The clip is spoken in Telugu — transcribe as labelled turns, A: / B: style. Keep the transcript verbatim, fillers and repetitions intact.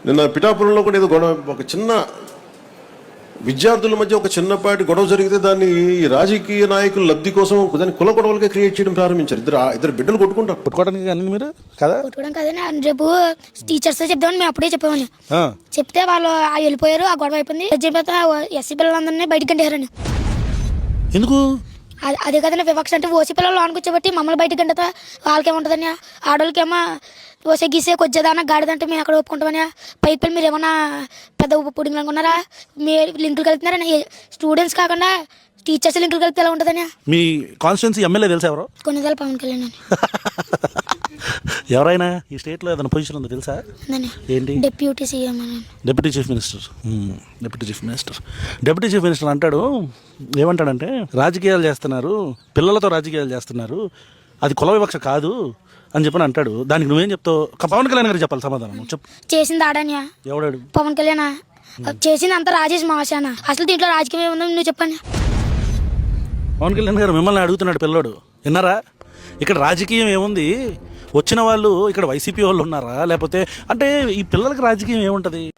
A: నిన్న పిఠాపురంలో కూడా ఏదో గొడవ, ఒక చిన్న విద్యార్థుల మధ్య ఒక చిన్నపాటి గొడవ జరిగితే దాన్ని ఈ రాజకీయ నాయకుల లబ్ధి కోసం దాన్ని కుల గొడవలుగా క్రియేట్ చేయడం ప్రారంభించారు. ఇద్దరు ఇద్దరు బిడ్డలు కొట్టుకుంటారు.
B: కొట్టుకోవడానికి కానీ మీరు కదా
C: కొట్టుకోవడం కదండి. రేపు టీచర్స్ చెప్దామని మేము అప్పుడే చెప్పామని చెప్తే వాళ్ళు వెళ్ళిపోయారు. ఆ గొడవ అయిపోయింది. చెప్పిన ఎస్సీ పిల్లలందరినీ బయటికి గంటేశారండి.
B: ఎందుకు?
C: అదే కదండి వివక్ష అంటే. ఓసీ పిల్లలు లోనికి వచ్చేబట్టి మమ్మల్ని బయటకు గంటతా వాళ్ళకేముంటుందని. ఆడవాళ్ళకేమో ఓసే గీసే కొద్దిదానా గాడిదంటే మేము అక్కడ ఒప్పుకుంటామని. పైకి వెళ్ళి మీరు ఏమన్నా పెద్ద ఉప్పు పుడింగ్ అనుకున్నారా? మీరు లింకులు కలుపుతున్నారని. స్టూడెంట్స్ కాకుండా టీచర్స్ లింకులు కలిపితే ఎలా ఉంటుందని.
B: మీ కాన్స్టిట్యున్సీ ఎమ్మెల్యే తెలుసా ఎవరు?
C: కొన్నిసార్లు పవన్ కళ్యాణ్ అని.
B: ఎవరైనా ఈ స్టేట్లో ఏదైనా పొజిషన్ ఉందో తెలుసా? ఏంటి?
C: డిప్యూటీ సీఎం అని.
B: Deputy chief minister. Deputy chief minister deputy chief minister అంటాడు, ఏమంటాడంటే రాజకీయాలు చేస్తున్నారు, పిల్లలతో రాజకీయాలు చేస్తున్నారు, అది కుల వివక్ష కాదు అని చెప్పని అంటాడు. దానికి నువ్వేం చెప్తావు? పవన్ కళ్యాణ్ గారు చెప్పాలి సమాధానం. చెప్పు.
C: చేసింది ఆడాన్యా?
B: ఎవడాడు?
C: పవన్ కళ్యాణ్. చేసింది అంతా రాజేష్ మహాశాన. అసలు దీంట్లో రాజకీయం ఏముందో నువ్వు చెప్పండి.
B: పవన్ కళ్యాణ్ గారు మిమ్మల్ని అడుగుతున్నాడు పిల్లోడు. విన్నారా? ఇక్కడ రాజకీయం ఏముంది? వచ్చిన వాళ్ళు ఇక్కడ వైసీపీ వాళ్ళు ఉన్నారా? లేకపోతే అంటే ఈ పిల్లలకి రాజకీయం ఏముంటుంది?